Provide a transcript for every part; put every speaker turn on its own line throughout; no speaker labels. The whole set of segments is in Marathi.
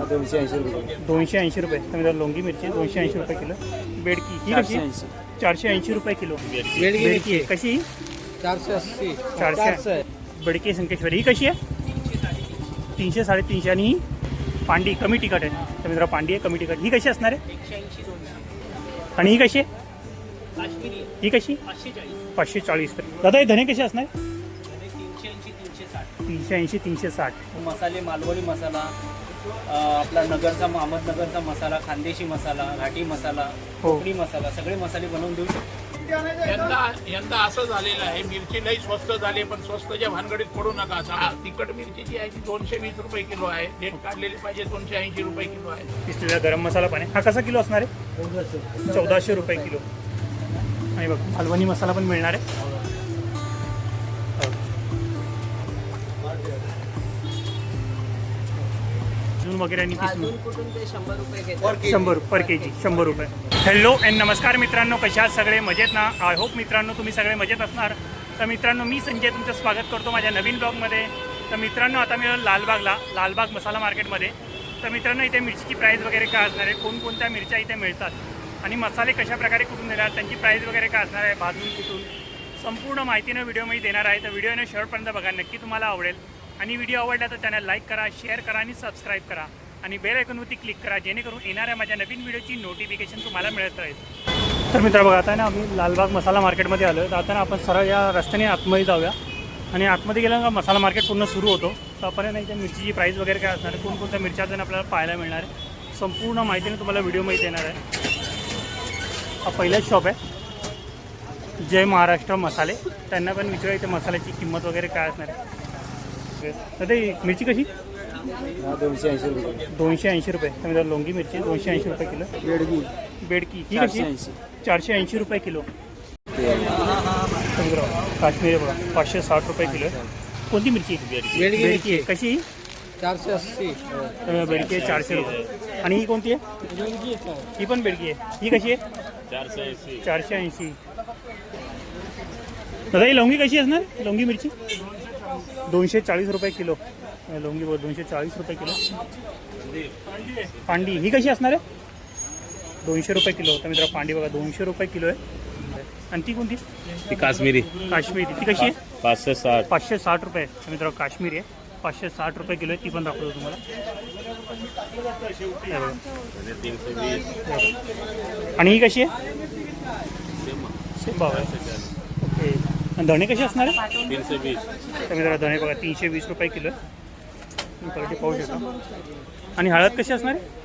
280 रुपये.
280 रुपये. तर मित्रांनो लोंगी मिरची 280 रुपये किलो. बेडकी ही कशी? 480 रुपये किलो. बेडकी आहे कशी?
480.
400. बेडकी संकेश्वरी ही कशी आहे? 300 350. आणि ही पांडी कमी तिखट आहे. तर मित्रांनो पांडी आहे कमी तिखट. ही कशी असणार आहे? आणि ही कशी आहे? ही कशी? 540. दादा हे धने कसे असणार? 380 360.
मसाले मालवणी मसाला, आपला नगरचा अहमदनगरचा मसाला, खानदेशी मसाला, घाटी मसाला, कोकणी मसाला, सगळे मसाले बनवून देऊ शकतो.
यंदा असं झालेलं आहे, मिरची लई स्वस्त झाली, पण स्वस्तच्या भानगडीत पडू नका. तिखट मिरची जी आहे ती 220 रुपये किलो आहे. डेट काढलेली पाहिजे 280 रुपये किलो आहे.
पिसलेला गरम मसाला पण आहे. हा कसा किलो असणार आहे? 1400 रुपये किलो. आणि बघ मालवणी मसाला पण मिळणार आहे. अजून वगैरे आणि
कुठून ते 100 रुपये घेतात.
100 पर केजी 100 रुपये. हॅलो अँड नमस्कार मित्रांनो, कशा आहात सगळे? मजेत ना? आय होप मित्रांनो तुम्ही सगळे मजेत असणार. तर मित्रांनो मी संजय तुमचं स्वागत करतो माझ्या नवीन ब्लॉगमध्ये. तर मित्रांनो आता मी लालबागला, लालबाग मसाला मार्केटमध्ये. तर मित्रांनो इथे मिरचीची प्राईस वगैरे काय असणार आहे, कोणकोणत्या मिरच्या इथे मिळतात आणि मसाले कशा प्रकारे कुठून देणार, त्यांची प्राईस वगैरे काय असणार आहे, भाजून कुठून, संपूर्ण माहितीनं व्हिडिओमध्ये देणार आहे. तर व्हिडिओने शेवटपर्यंत बघा, नक्की तुम्हाला आवडेल. आणि व्हिडिओ आवडला तर चॅनल लाईक करा, शेअर करा आणि सबस्क्राईब करा आणि बेल आयकॉनवरती क्लिक करा, जेणेकरून येणाऱ्या माझ्या नवीन व्हिडिओची नोटिफिकेशन तुम्हाला मिळत राहील. तर मित्र बघा आता ना आम्ही लालबाग मसाला मार्केटमध्ये आलो. तर आता ना आपण सरळ या रस्त्याने आतमध्ये जाऊया आणि आतमध्ये गेलं का मसाला मार्केट पूर्ण सुरू होतो. तर आपण नाही त्या मिरचीची प्राईस वगैरे काय असणार आहे, कोणकोणत्या मिरच्या आपल्याला पाहायला मिळणार आहे, संपूर्ण माहितीने तुम्हाला व्हिडिओमध्ये देणार आहे. हा पहिलाच शॉप आहे जय महाराष्ट्र मसाले. त्यांना पण विचारूया इथे मसाल्याची किंमत वगैरे काय असणार आहे. तर ते मिरची कशी?
280 रुपये.
280 रुपये. तर मित्रांनो लोंगी मिरची 280 रुपये किलो.
बेडगी
बेडकी ही कशी? 480 रुपये किलो. काश्मीरी बघा 560 रुपये किलो. कोणती मिरची? बेडकी आहे कशी?
480.
बेडकी आहे 400 रुपये. आणि ही कोणती आहे? ही पण बेडकी आहे. ही कशी आहे? 480. दादा ही लवंगी कशी असणार? लवंगी मिरची 240 रुपये किलो. लवंगी बघ 240 रुपये किलो. पांडी ही कशी असणार आहे? 200 रुपये किलो. तर मित्र पांडी बघा 200 रुपये किलो आहे. आणि ती कोणती?
ती काश्मीरी.
काश्मीरी ती कशी आहे?
560.
560 रुपये. तर मित्र काश्मीरी आहे 560 रुपये किलो आहे. ती पण दाखवतो तुम्हाला. आणि ही कशी आहे? ओके. आणि धणे कसे असणार आहे?
320.
तर मित्र धणे बघा 320 रुपये किलो आहे. क्वालिटी पाहू शकता. आणि हळद कशी असणार आहे?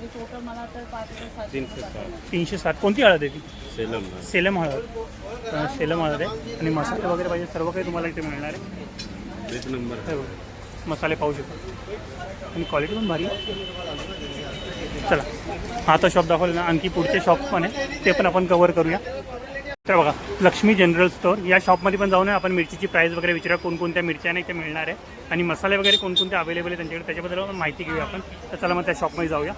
360. कोणती हळद आहे ती? सेलम हळद. सेलम हळद आहे. आणि मसाले वगैरे पाहिजे सर्व काही तुम्हाला इथे मिळणार आहे.
1 नंबर
मसाले पाहू शकता. आणि क्वालिटी पण भारी आहे. चला हा तर शॉप दाखवलं ना, आणखी पुढचे शॉप पण आहे ते पण आपण कवर करूया. तर बघा लक्ष्मी जनरल स्टोअर या शॉपमध्ये पण जाऊन आपण मिरचीची प्राईस वगैरे विचारूया, कोणकोणत्या मिरच्या नाही ते मिळणार आहे आणि मसाले वगैरे कोणकोणते अवेलेबल आहे त्यांच्याकडे, त्याच्याबद्दल आपण माहिती घेऊया आपण. तर चला मग त्या शॉपमध्ये जाऊया.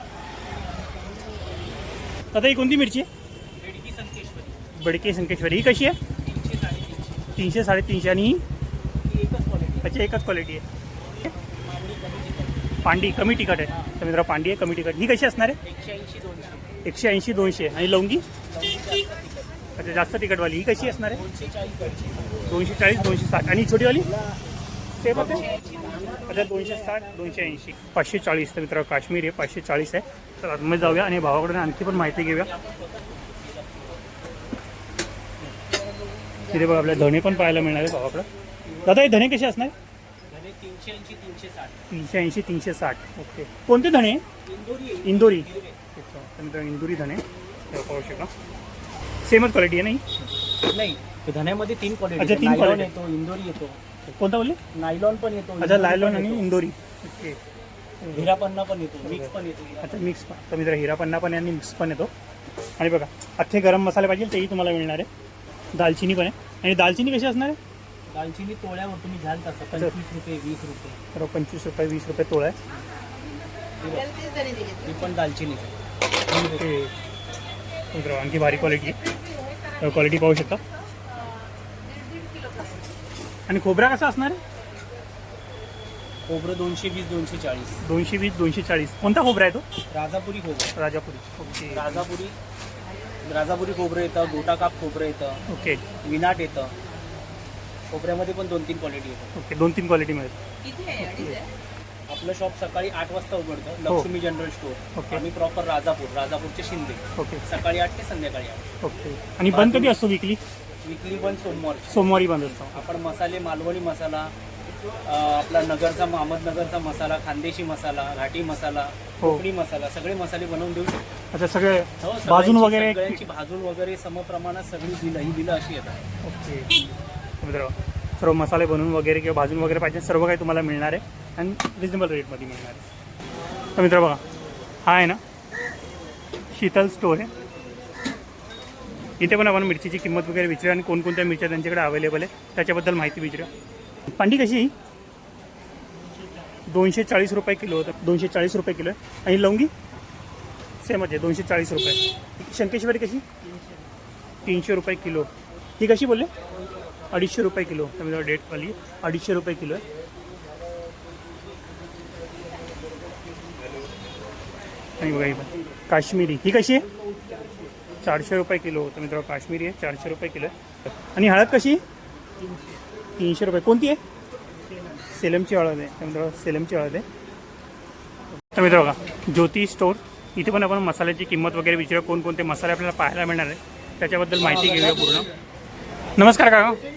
आता ही कोणती मिरची आहे? बेडकी संकेश्वरी. ही कशी आहे? 300 350. आणि ही अच्छा एकच क्वालिटी आहे. पांडी कमी तिखट आहे. तर मित्र पांडी आहे कमी तिखट. ही कशी असणार आहे? 180 200. आणि लवंगी अच्छा जास्त तिखटवाली. ही कशी असणार आहे? 240 260. आणि छोटीवाली सेम आहे अच्छा 260 280 540. तर मित्र काश्मीर आहे 540 आहे. तर आतमध्ये जाऊया आणि भावाकडून आणखी पण माहिती घेऊया. तिथे बघा आपल्या धणे पण पाहायला मिळणार आहे भावाकडं. दादा हे धणे कसे असणार? 380 360. ओके. कोणते धणे? इंदोरी. तर मित्र इंदोरी धणे पाहू शकता. सेमच क्वालिटी आहे
नाही धण्यामध्ये 3 क्वालिटी.
अच्छा 3 क्वालिटी
येतो, इंदोरी येतो.
कोणता बोलले?
नायलॉन पण येतो.
अच्छा नायलॉन आणि इंदोरी. ओके.
हिरापन्ना पण येतो, मिक्स पण येतो.
अच्छा मिक्स पण. तर मित्र हिरापन्ना पण आणि मिक्स पण येतो. आणि बघा अख्खे गरम मसाले पाहिजे तेही तुम्हाला मिळणार आहे. दालचिनी पण आहे. आणि दालचिनी कशी असणार आहे?
दालचिनी तोळ्यावर तुम्ही घ्याल तसं 25 रुपये 20 रुपये.
बरोबर 25 रुपये 20 रुपये तोळा आहे.
ती पण दालचिनी.
ओके. मित्र आणखी भारी क्वालिटी आहे. क्वालिटी पाहू शकता. आणि खोबरा कसा असणार आहे?
खोबरं 220 240.
220 240. कोणता खोबरा आहे तो?
राजापुरी खोबरं.
राजापुरी. ओके.
राजापुरी खोबरं येतं, गोटा काप खोबरं येतं,
ओके.
विनाट येतं. खोबऱ्यामध्ये पण 2-3 क्वालिटी येतात.
ओके. 2-3 क्वालिटी मिळेल.
आपलं शॉप सकाळी 8 वाजता उघडतं,
हो.
Lakshmi general store.
ओके.
आम्ही प्रॉपर राजापूरचे शिंदे.
ओके.
सकाळी 8 ते संध्याकाळी 8.
ओके. आणि बंद कधी असतो विकली?
विकली पण सोमवार.
सोमवारी बंद असतो.
आपण मसाले मालवणी मसाला, आपला नगरचा अहमदनगरचा मसाला, खानदेशी मसाला, घाटी मसाला,
हो.
कोकणी मसाला, सगळे मसाले बनवून देऊ शकतो.
अच्छा. सगळे
हो,
भाजून वगैरे.
सगळ्यांची भाजून वगैरे समप्रमाणात सगळी ही बिलं अशी येतात.
ओके. मित्र सर्व मसाले बनवून वगैरे किंवा भाजून वगैरे पाहिजे सर्व काही तुम्हाला मिळणार आहे आणि रिजनेबल रेटमध्ये मिळणार आहे. तर मित्र बघा, हा आहे ना शीतल स्टोर आहे. इथे पण आपण मिरचीची किंमत वगैरे विचारूया आणि कोणकोणत्या मिरच्या त्यांच्याकडे अवेलेबल आहे त्याच्याबद्दल माहिती विचारूया. पांडी कशी आहे? 240 रुपये किलो होतं. 240 रुपये किलो आहे. आणि लवंगी सेमच आहे, 240 रुपये. शंकेश्वरी कशी? 300 रुपये किलो. ही कशी बोलले? 250 रुपये किलो. त्यामध्ये डेटवाली 250 रुपये किलो आहे. आणि बघा ही पण काश्मीरी, ही कशी आहे? 400 रुपये किलो. तर मित्रांनो काश्मीरी आहे, 400 रुपये किलो आहे. आणि हळद कशी? 300 रुपये. कोणती आहे? सेलमची हळद आहे. तर मित्रांनो सेलमची हळद आहे. तर मित्र बघा ज्योती स्टोर, इथे पण आपण मसाल्याची किंमत वगैरे विचारूया, कोणकोणते मसाले आपल्याला पाहायला मिळणार आहे त्याच्याबद्दल माहिती घेऊया पूर्ण. नमस्कार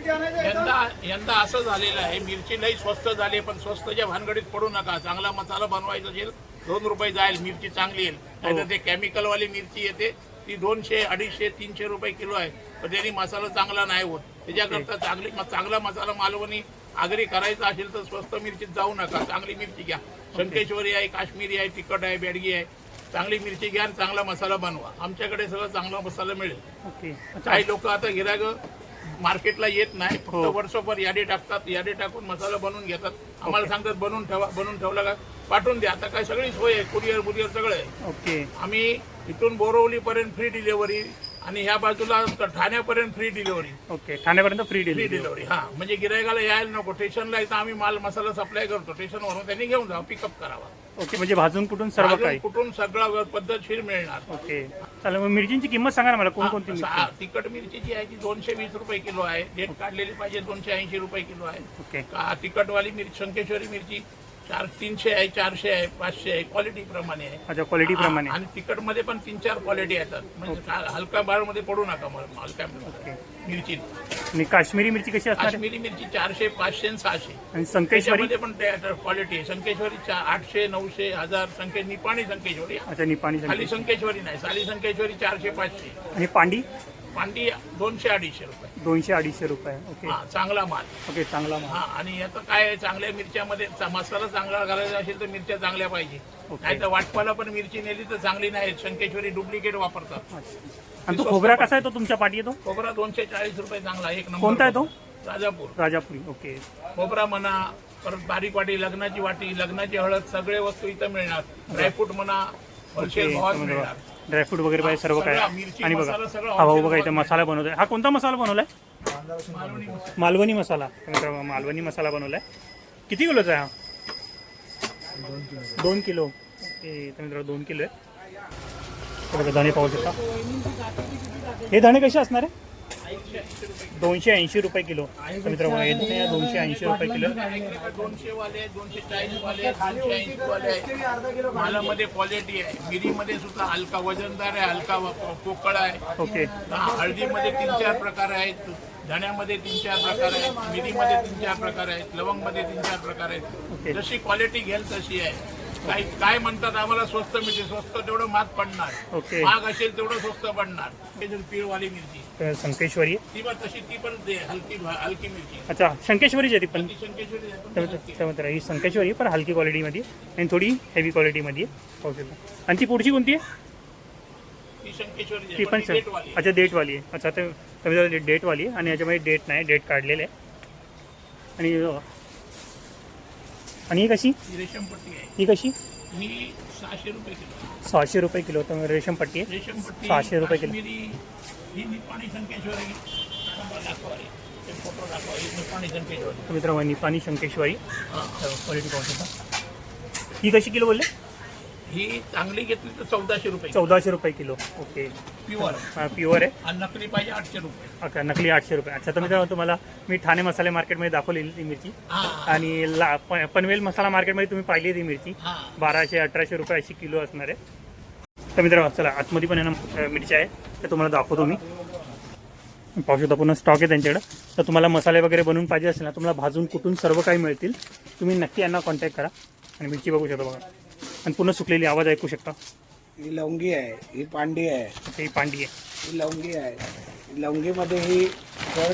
काका.
यंदा असं झालेलं आहे, मिरची लई स्वस्त झाली, पण स्वस्तच्या भानगडीत पडू नका. चांगला मसाला बनवायचा असेल 2 रुपये जाईल, मिरची चांगली येईल. नाहीतर ते केमिकलवाली मिरची येते ती 200 250 300 रुपये किलो आहे, पण त्यांनी मसाला चांगला नाही होत. त्याच्याकरता चांगला मसाला मालवणी आगरी करायचा असेल तर स्वस्त मिरचीत जाऊ नका, चांगली मिरची घ्या. शंकेश्वरी आहे, काश्मीरी आहे, तिखट आहे, बेडगी आहे. चांगली मिरची घ्या आणि चांगला मसाला बनवा. आमच्याकडे सगळं चांगला मसाला मिळेल.
ओके.
काही लोक आता गिरायक मार्केटला येत नाही, फक्त वर्षभर यादी टाकतात, यादी टाकून मसाला बनवून घेतात. आम्हाला सांगतात बनवून ठेवा, बनवून ठेवला का पाठवून द्या. आता काय सगळी सोय आहे, कुरिअर सगळं आहे.
ओके.
आम्ही इथून बोरवलीपर्यंत फ्री डिलिव्हरी आणि ह्या बाजूला ठाण्यापर्यंत फ्री डिलिव्हरी.
ओके. ठाण्यापर्यंत फ्री
डिलिव्हरी. हा, म्हणजे गिरायकाला यायला नको. स्टेशनला इथं आम्ही माल मसाला सप्लाय करतो, स्टेशनवरून त्यांनी घेऊन जा, पिकअप करावा.
ओके. म्हणजे भाजून कुठून सर्व काही
कुठून सगळं पद्धतशीर मिळणार.
ओके. चालेल. मग मिरचींची किंमत सांगा ना मला, कोणकोणती मिरची?
तिखट मिरची जी आहे ती 220 रुपये किलो आहे. डेट काढलेली पाहिजे 280 रुपये किलो आहे.
ओके.
तिखटवाली मिरची शंकेश्वरी मिरची 300 आहे, 400 आहे, 500 आहे, क्वालिटी प्रमाणे आहे.
अच्छा. क्वालिटी प्रमाणे.
आणि तिखट मध्ये पण 3-4 क्वालिटी येतात. म्हणजे हलका बार मध्ये पडू नका मला हलक्या मिरची.
आणि काश्मीरी मिरची कशी असणार?
काश्मीरी मिरची 400 500 आणि 600.
आणि संकेश्वरी
पण क्वालिटी आहे. संकेश्वरी 800 900 1000. निपाणी संकेश्वरी.
अच्छा. निपाणी
खाली संकेश्वरी नाही, साली संकेश्वरी 400 500.
आणि पांडी?
पांडी 200 250 रुपये.
200 250 रुपये. ओके.
हा, चांगला माल.
ओके. चांगला माल.
हा, आणि आता काय आहे, चांगल्या मिरच्यामध्ये मसाला चांगला घालायचा असेल तर मिरच्या चांगल्या पाहिजे. नाही तर वाटपाला पण मिरची नेली तर चांगली नाही. शंकेश्वरी डुप्लिकेट वापरतात.
आणि तो खोबरा कसा आहे? तो तुमच्या पाठी येतो?
खोबरा 240 रुपये चांगला, एक नंबर.
कोणता आहे तो?
राजापुरी.
ओके.
खोबरा म्हणा, परत बारीक वाटी, लग्नाची वाटी, लग्नाची हळद, सगळे वस्तू इथं मिळणार. ड्रायफ्रूट म्हणा, होलसेल भावात मिळणार.
ड्रायफ्रूट वगैरे पाहिजे सर्व काय.
मिरची,
आणि बघा
मसाला सगळं
हा भाऊ बघा
wholesale
इथं मसाला बनवतोय. हा कोणता मसाला बनवलाय? मालवणी मसाला. मालवणी मसाला बनवलाय. किती किलोचा आहे हा? 2 किलो. ओके. तर मित्रांनो 2 किलो आहे. बघा धणे पाहू शकता. हे धणे कसे असणार आहे? 280 रुपये किलो. तर मित्रांनो हे धणे 280 रुपये किलो.
200 वाले, 240 वाले, 280 वाले. मालामध्ये क्वालिटी आहे. मिरीमध्ये सुद्धा हलका वजनदार आहे, हलका पोकळ आहे.
ओके.
हळदीमध्ये 3-4 प्रकार आहेत, धण्यामध्ये 3-4 प्रकार आहेत, मिरीमध्ये 3-4 प्रकार आहेत, लवंगमध्ये 3-4 प्रकार आहेत. जशी क्वालिटी घेईल तशी आहे. काय म्हणतात आम्हाला स्वस्त मिळते, स्वस्त तेवढं महाग पडणार.
ओके.
महाग असेल तेवढं स्वस्त पडणार. पीळवाली मिरची
संकेश्वरी.
ती पण तशी, ती पण हलकी मिरची.
अच्छा. शंकेश्वरीची आहे ती पण.
शंकेश्वरी
त्यामध्ये ही संकेश्वरी पण हलकी क्वालिटीमध्ये आणि थोडी हेवी क्वालिटीमध्ये पाहू शकता. आणि ती पुढची कोणती आहे?
ती शंकेश्वरी
ती पण
डेटवाली.
अच्छा. डेटवाली आहे. अच्छा. तर डेटवाली आहे आणि याच्यामध्ये डेट नाही, डेट काढलेलं आहे. आणि ही कशी?
रेशमपट्टी आहे.
ही कशी?
ही 600 रुपये किलो.
600 रुपये किलो. तर रेशमपट्टी आहे
रेशमपट्टी
600 रुपये किलो.
ही निपाणी संकेश्वरी दाखवारी. ते फोटो दाखवा. ही निपाणी संकेश्वरी.
तर मित्रांनो निपाणी शंकेश्वरी क्वालिटी पाहू शकता. ही कशी किलो बोलले?
ही चांगली घेतली तर 1400 रुपये
1400 रुपये किलो. ओके.
प्युअर.
प्युअर आहे.
आणि नकली पाहिजे 800 रुपये.
अच्छा नकली 800 रुपये. अच्छा तर मित्रांनो तुम्हाला मी ठाणे मसाले मार्केटमध्ये दाखवलेली ती मिरची
हा
आणि पनवेल मसाला मार्केटमध्ये तुम्ही पाहिली ती मिरची
हा
1200-1800 रुपये अशी किलो असणार आहे. तर मित्रांनो चला आतमध्ये पण आहे ना मिरच्या आहे ते तुम्हाला दाखवतो मी. पाहू शकता पूर्ण स्टॉक आहे त्यांच्याकडं. तर तुम्हाला मसाले वगैरे बनवून पाहिजे असेल ना तुम्हाला भाजून कुठून सर्व काही मिळतील. तुम्ही नक्की यांना कॉन्टॅक्ट करा. आणि मिरची बघू शकता बघा आणि पूर्ण सुकलेली आवाज ऐकू शकता.
ही लवंगी आहे, ही पांडी आहे,
ही पांडी आहे.
ही लवंगी आहे. लवंगीमध्ये ही कड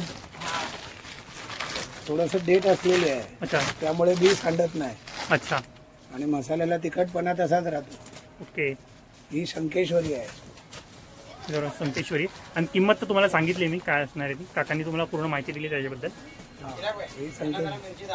थोडंसं डेट असलेली आहे,
अच्छा
त्यामुळे बी सांडत नाही
अच्छा
आणि मसाल्याला तिखटपणा तसाच राहतो.
ओके.
ही शंकेश्वरी आहे.
बरोबर संकेश्वरी. आणि किंमत तर तुम्हाला सांगितली मी काय असणार आहे ती. काकांनी तुम्हाला पूर्ण माहिती दिली त्याच्याबद्दल.
ही शंकेश्वरी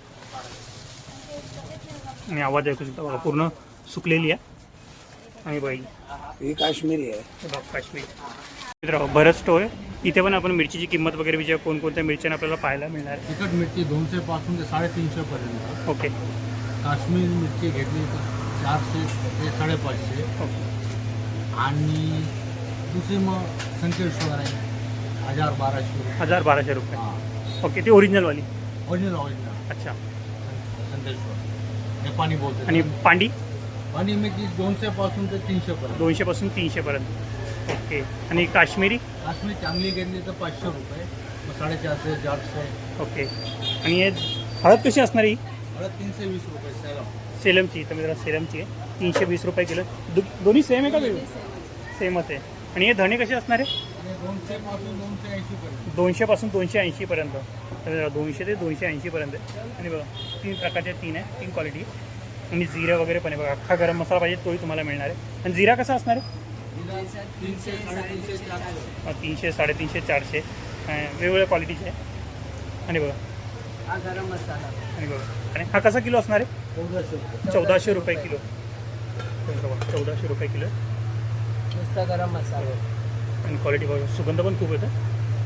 आणि आवाज ऐकू शकता बघा पूर्ण सुकलेली आहे. आणि बाई
ही काश्मीरी आहे.
बघा काश्मीर. मित्रांनो बरंच स्टोर आहे. इथे पण आपण मिरचीची किंमत वगैरे विचार कोणकोणत्या मिरच्या आपल्याला पाहायला मिळणार आहे.
तिखट मिरची 200 पासून ते 350 पर्यंत.
ओके
काश्मीर मिरची घेतली तर 400 ते 550.
ओके
आणि दुसरी मग संकेश्वर आहे 1000-1200.
1200 रुपये.
हां
ओके ती ओरिजिनलवाली.
ओरिजिनल
अच्छा.
संकेश्वर नेपाळी बोलते.
आणि पांडी
आणि मिरची 200 पासून ते 300 पर्यंत.
200 पासून 300 पर्यंत. ओके. आणि काश्मीरी
काश्मीर चांगली घेतली तर 500 रुपये, मग 450-400.
ओके. आणि हे हळद कशी असणार ही?
हळद 320 रुपये सॅलम.
सेलमची. तर मित्रांनो सेलमची आहे 320 रुपये किलो. दोन्ही सेम आहे का वेगळी? सेमच आहे. आणि हे धणे कसे असणार आहे?
आणि 200 पासून 280 पर्यंत.
200 पासून 280 पर्यंत. तर 200 ते 280 पर्यंत आहे. आणि बघा 3 प्रकारचे 3 आहे, 3 क्वालिटी. आणि जिरा वगैरे पण आहे बघा. अख्खा गरम मसाला पाहिजे तोही तुम्हाला मिळणार आहे. आणि जिरा कसा असणार आहे?
300, 350, 400.
300, 350, 400 वेगवेगळ्या क्वालिटीचे आहे. आणि बघा
हा गरम मसाला.
आणि बघा आणि हा कसा किलो असणार आहे?
1400 रुपये.
1400 रुपये किलो. 1400 रुपये किलो.
नुसता गरम मसाला.
आणि क्वालिटी बघा सुगंध पण खूप येतं.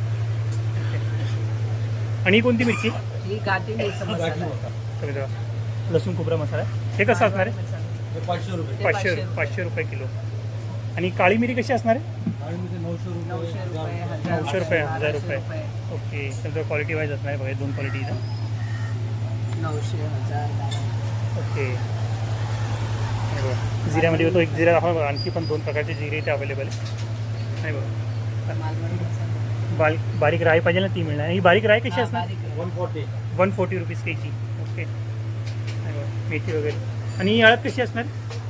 आणि ही कोणती मिरची?
ही घाटी मिरची मसाला.
सगळं बघा. लसूण खोबरा मसाला आहे. हे कसं असणार आहे?
हे 500 रुपये.
500 रुपये किलो. आणि काळी मिरी कशी असणार आहे?
आणि म्हणजे 900 रुपये.
900 रुपये,
900 रुपये, 1000 रुपये.
1200
ओके. तर क्वालिटी वाईज असणार आहे बघा 2 क्वालिटी इथं.
900, 1000.
ओके. आणि बघा जिऱ्यामध्ये तो एक जिरा दाखवा बघा. आणखी पण 2 प्रकारचे जिरे इथे अवेलेबल आहे. नाही बघा
मालवणी मसाला.
बारीक राई पाहिजे ना ती मिळणार. ही बारीक राई कशी
हा,
असणार?
बारीक आहे.
140.
140 रुपीज केजी. ओके. नाही बघा मेथी वगैरे. आणि ही हळद कशी असणार?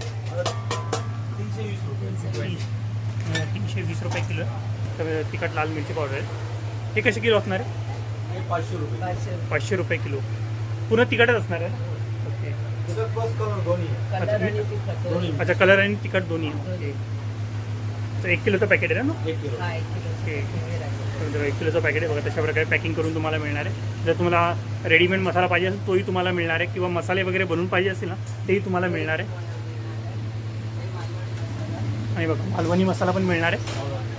320 रुपये.
320 रुपये किलो. तर तिखट लाल मिरची पावडर आहे. हे कसे किलो असणार आहे?
हे 500 रुपये.
500.
500 रुपये किलो. पूर्ण तिखटच असणार आहे. ओके.
तिखट प्लस कलर दोन्ही आहे.
कलर आणि तिखट.
दोन्ही.
अच्छा कलर आणि तिखट दोन्ही आहे. ओके. तर 1 किलोचं पॅकेट आहे ना?
1 किलो.
हा 1 किलो.
ओके. तर 1 किलोचं पॅकेट आहे बघा. तशा प्रकारे पॅकिंग करून तुम्हाला मिळणार आहे. जर तुम्हाला रेडीमेड मसाला पाहिजे असेल तोही तुम्हाला मिळणार आहे किंवा मसाले वगैरे बनवून पाहिजे असेल ना तेही तुम्हाला मिळणार आहे. आणि बघा मालवणी मसाला पण मिळणार आहे.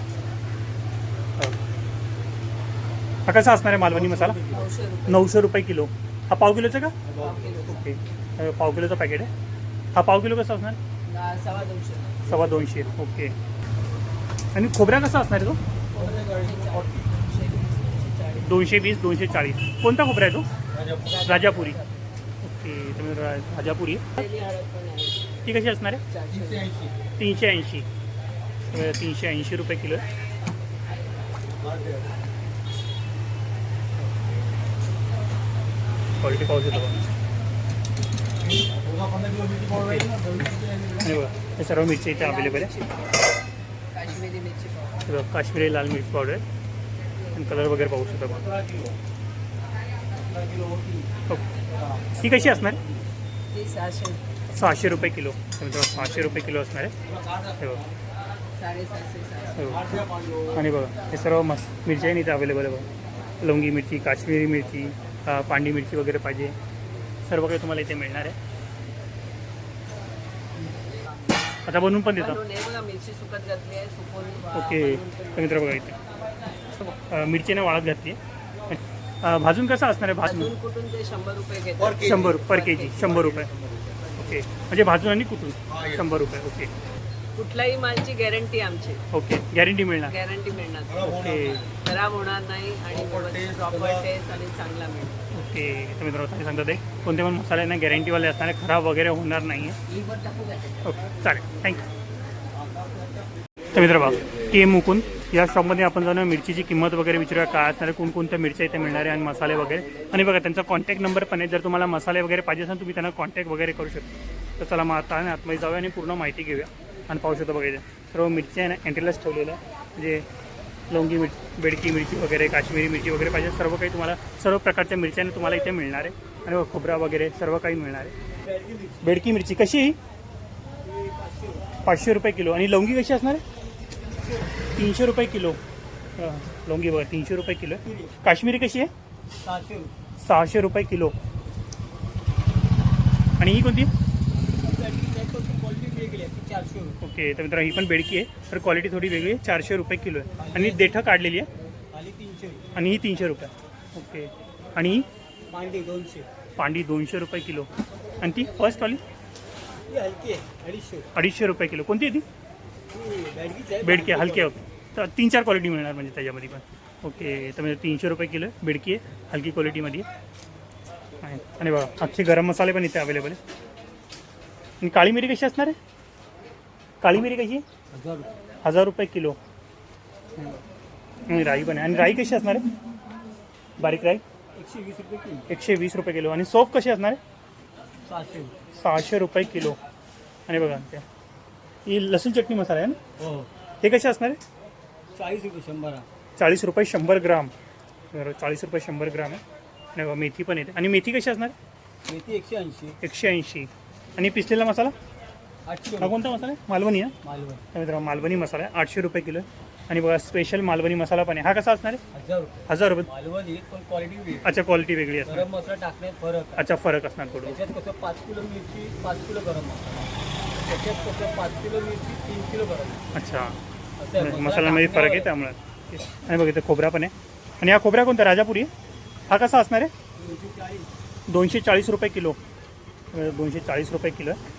हा कसा असणार आहे मालवणी मसाला?
900 रुपये.
900 रुपये किलो. हा पाव किलोचा का?
पाव किलो.
ओके. पाव किलोचं पॅकेट आहे. हा पाव किलो कसा असणार?
250.
250. ओके. आणि खोबऱ्या कसा असणार आहे तो? 220, 240. कोणता खोबरा आहे तो? राजापुरी. ओके. तर राजापुरी
हळद पण आहे.
ती कशी असणार आहे?
380.
380. 380 रुपये किलो आहे. क्वालिटी पाहू शकतो बघा. आणि बघा हे सर्व मिरची इथे अवेलेबल आहे.
काश्मीरी मिरची पावडर.
हे बघा, काश्मीरी लाल मिरची पावडर आहे. आणि कलर वगैरे पाहू शकता बघा. ओके. ही कशी असणार?
ती 600.
600 रुपये किलो. तर मित्रांनो 600 रुपये किलो असणार आहे. हे बघा.
750.
हे बघा. आणि बघा हे सर्व मिरची आहे इथे अवेलेबल आहे बघा. लवंगी मिरची, काश्मीरी मिरची, पांडी मिरची वगैरे पाहिजे सर्व काही तुम्हाला इथे मिळणार आहे. आता बनवून पण देतो.
बनवून हे बघा मिरची सुकत घातली आहे. सुकवून
ओके. तर मित्र बघा इथे मिरचीने वाळत घातली आहे. भाजून कसं असणार आहे भाजून
अजून कुठून ते 100 रुपये घेतात
100 पर के जी 100 रुपये ओके म्हणजे भाजून आणि कुठून 100 रुपये ओके
कुठल्याही मालची गॅरंटी आमची
ओके गॅरंटी मिळणार
गॅरंटी मिळणार
ओके
खराब होणार नाही आणि प्रॉपर टेस्ट आणि चांगला मिळणार
ओके तर मित्रांनो तुम्ही सांगता ते कोणते पण मसाल्यांना गॅरंटीवाले असणार आहे खराब वगैरे होणार नाही आहे ओके चालेल थँक्यू तर मित्र बघा के मुकुंद या शॉपमध्ये आपण जाऊन मिरचीची किंमत वगैरे विचारूया काय असणार आहे कोणकोणत्या मिरच्या इथे मिळणार आहे आणि मसाले वगैरे आणि बघा त्यांचा कॉन्टॅक्ट नंबर पण आहे जर तुम्हाला मसाले वगैरे पाहिजे असेल तुम्ही त्यांना कॉन्टॅक्ट वगैरे करू शकता तर चला मग आता आणि आतमध्ये जाऊया आणि पूर्ण माहिती घेऊया आणि पाहू शकतो बघायचं सर्व मिरची आहे ना एंट्रीलाच ठेवलेलं आहे म्हणजे लवंगी मिरची बेडकी मिरची वगैरे काश्मीरी मिरची वगैरे पाहिजे सर्व काही तुम्हाला सर्व प्रकारच्या मिरच्याने तुम्हाला इथे मिळणार आहे आणि खोबरा वगैरे सर्व काही मिळणार आहे बेडकी मिरची कशी आहे 500 रुपये किलो आणि लवंगी कशी असणार आहे 300 रुपये किलो लवंगी बघा 300 रुपये किलो काश्मीरी कशी आहे 600 रुपये किलो आणि ही कोणती ओके तर मित्रांनो ही पण बेडकी आहे तर क्वालिटी थोडी वेगळी आहे 400 रुपये किलो आहे आणि देठं काढलेली आहे आणि ही 300 रुपये ओके आणि ही पांडी 200 रुपये किलो आणि ती फर्स्टवाली 250 रुपये किलो कोणती आहे ती बेडकी आहे हलकी आहे तर 3-4 क्वालिटी मिळणार म्हणजे त्याच्यामध्ये पण ओके तर म्हणजे 300 रुपये किलो आहे बेडकी आहे हलकी क्वालिटीमध्ये आहे आणि बघा अख्खे गरम मसाले पण इथे अवेलेबल आहे आणि काळी मिरी कशी असणार आहे काळी मिरी कशी आहे 1000 रुपये किलो आणि राई पण आहे आणि राई कशी असणार आहे बारीक राई 120 रुपये किलो आणि सोफ कशी असणार आहे 600 रुपये किलो आणि बघा त्या ही लसूण चटणी मसाला आहे ना हे कसे असणार आहे 40 रुपये 100 ग्राम 40 रुपये 100 ग्राम आहे आणि बघा मेथी पण येते आणि मेथी कशी असणार
मेथी
180 आणि पिसलेला मसाला हा कोणता मसाला आहे मालवणी आहे मित्रांनो मालवणी मसाला आहे 800 रुपये किलो आणि बघा स्पेशल मालवणी मसाला पण आहे हा कसा असणार आहे 1000 रुपये
मालवणी पण क्वालिटी
अच्छा क्वालिटी वेगळी असणार
गरम मसाला टाकण्यात फरक
अच्छा फरक असणार थोडं
त्याच्यात कसं 5 किलो मिरची 5 किलो गरम मसाला त्याच्यात कसं 5 किलो मिरची 3 किलो गरम
अच्छा
असं आहे.
मसाल्यामध्ये फरक आहे त्यामुळे आणि बघा इथे खोबरा पण आहे आणि हा खोबरा कोणता राजापुरी आहे हा कसा असणार आहे 240 रुपये किलो 240 रुपये किलो आहे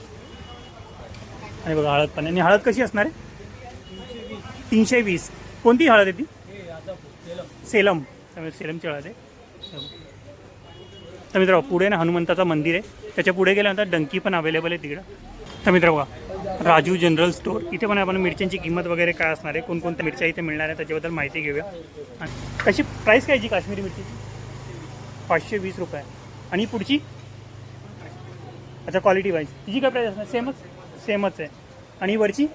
आणि बघा हळद पण आणि हळद कशी असणार आहे 320 कोणती हळद आहे ती सेलम त्यामुळे सेलमची हळद आहे तर मित्र पुढे ना हनुमंताचं मंदिर आहे त्याच्या पुढे गेल्यानंतर डंकी पण अवेलेबल आहे तिकडं तर मित्र बघा राजू जनरल स्टोअर इथे पण आपण मिरच्यांची किंमत वगैरे काय असणार आहे कोणकोणत्या मिरच्या इथे मिळणार आहे त्याच्याबद्दल माहिती घेऊया आणि कशी प्राईस काय जी काश्मीरी मिरचीची 520 रुपये आणि पुढची अच्छा क्वालिटी वाईज तिची काय प्राईस असणार सेमच आहे आणि वरची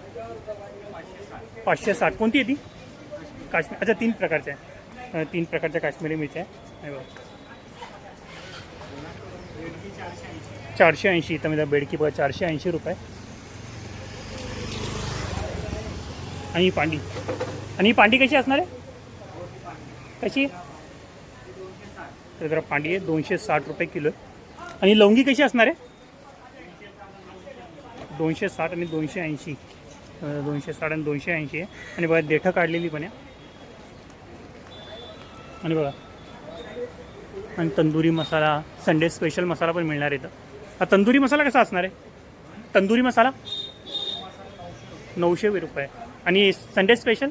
560 कोणती आहे ती काश्मीर अच्छा 3 प्रकारच्या आहे 3 प्रकारच्या काश्मीरी मिरच्या आहे बघा 480 तर म्हणजे बेडकी बघा 480 रुपये आणि ही पांडी कशी असणार आहे कशी तर जरा पांडी आहे 260 रुपये किलो आहे आणि लवंगी कशी असणार आहे 260 आणि 280 260 आणि 280 आहे आणि बघा देठं काढलेली पण आहे आणि बघा आणि तंदुरी मसाला संडे स्पेशल मसाला पण मिळणार आहे हा तंदुरी मसाला कसा असणार आहे तंदुरी मसाला 900 रुपये आणि संडे स्पेशल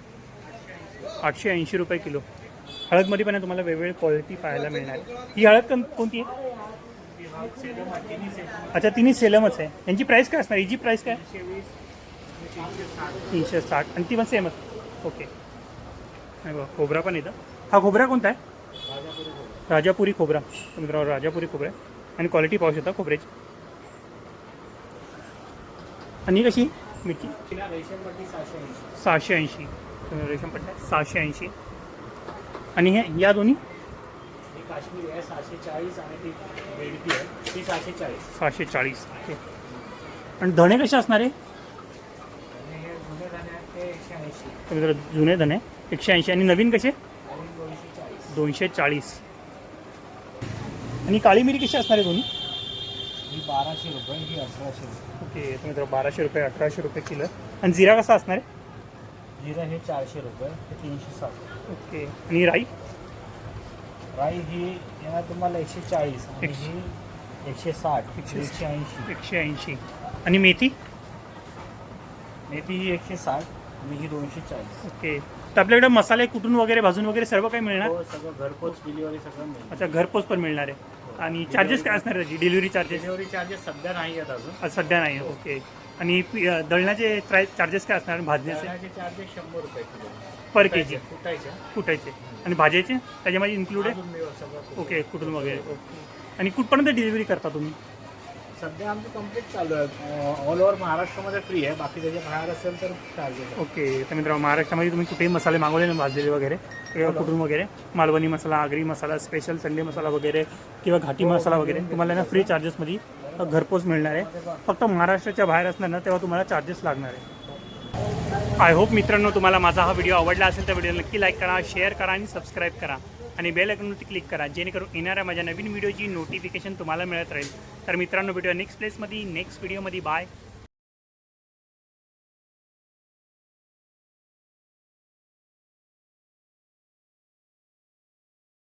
880 रुपये किलो हळदमध्ये पण तुम्हाला वेगवेगळी क्वालिटी पाहायला मिळणार आहे ही हळद कोणती आहे अच्छा तिन्ही सेलमच आहे यांची प्राईस काय असणार हिची प्राईस काय 360 आणि ती पण सेमच ओके नाही बघा खोबरा पण येतं हा खोबरा कोणता आहे राजापुरी खोबरा मित्रांनो राजापुरी खोबरा आहे आणि क्वालिटी पाहू शकता खोबऱ्याची आणि कशी मिरची 680 रेशमपट्टी 680 आणि हे या दोन्ही
काश्मीर आहे 640 आणि ती बेडकी आहे ती
640 ओके आणि धणे कसे असणार आहे
जुने धने ते 180
तर जुने धणे 180 आणि नवीन कसे 240 आणि काळी मिरी कशी असणार आहे दोन्ही
ही 1200 रुपये ही 1800 रुपये
ओके तर मित्र 1200 रुपये 1800 रुपये किलो आणि जिरा कसा असणार आहे
जिरा हे 400 रुपये ते 360
ओके आणि राई
राई ही येणार तुम्हाला 140 आणि ही 160 180
180. आणि मेथी?
मेथी ही 160 आणि ही 240.
ओके. तर आपल्याकडे मसाले कुटून वगैरे भाजून वगैरे सर्व काही मिळणार?
हो सगळं घरपोच डिलिव्हरी सगळं मिळेल.
अच्छा, घरपोच पण मिळणार आहे. आणि चार्जेस काय असणार त्याची, डिलिव्हरी चार्जेस?
डिलिव्हरी चार्जेस सध्या नाही आहेत अजून.
सध्या नाही. ओके. आणि दळण्याचे चार्जेस काय असणार, भाजण्याचे?
दळण्याचे चार्जेस 100 रुपये किलो
पर के जी
कुटायच्या
कुटायचे. आणि भाजायचे त्याच्यामध्ये इन्क्लूड आहे?
अजून मिळेल सगळं.
ओके, कुठून वगैरे. ओके. आणि कुठपर्यंत डिलिव्हरी करता तुम्ही?
सध्या आमची कंप्लीट चालू आहे. ऑल ओव्हर महाराष्ट्रामध्ये फ्री आहे. बाकी त्याच्या बाहेर असेल तर चार्जेस.
ओके. तर मित्रांनो, महाराष्ट्रामध्ये तुम्ही कुठेही मसाले मागवले ना, भाजलेले वगैरे किंवा कुठून वगैरे, मालवणी मसाला, आगरी मसाला, स्पेशल संडे मसाला वगैरे किंवा घाटी मसाला वगैरे तुम्हाला ना फ्री चार्जेसमध्ये घरपोच मिळणार आहे. फक्त महाराष्ट्राच्या बाहेर असणार ना तेव्हा तुम्हाला चार्जेस लागणार आहे. आय होप मित्रांनो तुम्हाला माझा हा व्हिडिओ आवडला असेल तर व्हिडिओ नक्की लाईक करा, शेअर करा आणि सबस्क्राईब करा आणि बेल आयकॉनवरती क्लिक करा, जेणेकरून येणाऱ्या माझ्या नवीन व्हिडिओची नोटिफिकेशन तुम्हाला मिळत राहील. तर मित्रांनो, व्हिडिओ नेक्स्ट व्हिडिओमध्ये बाय.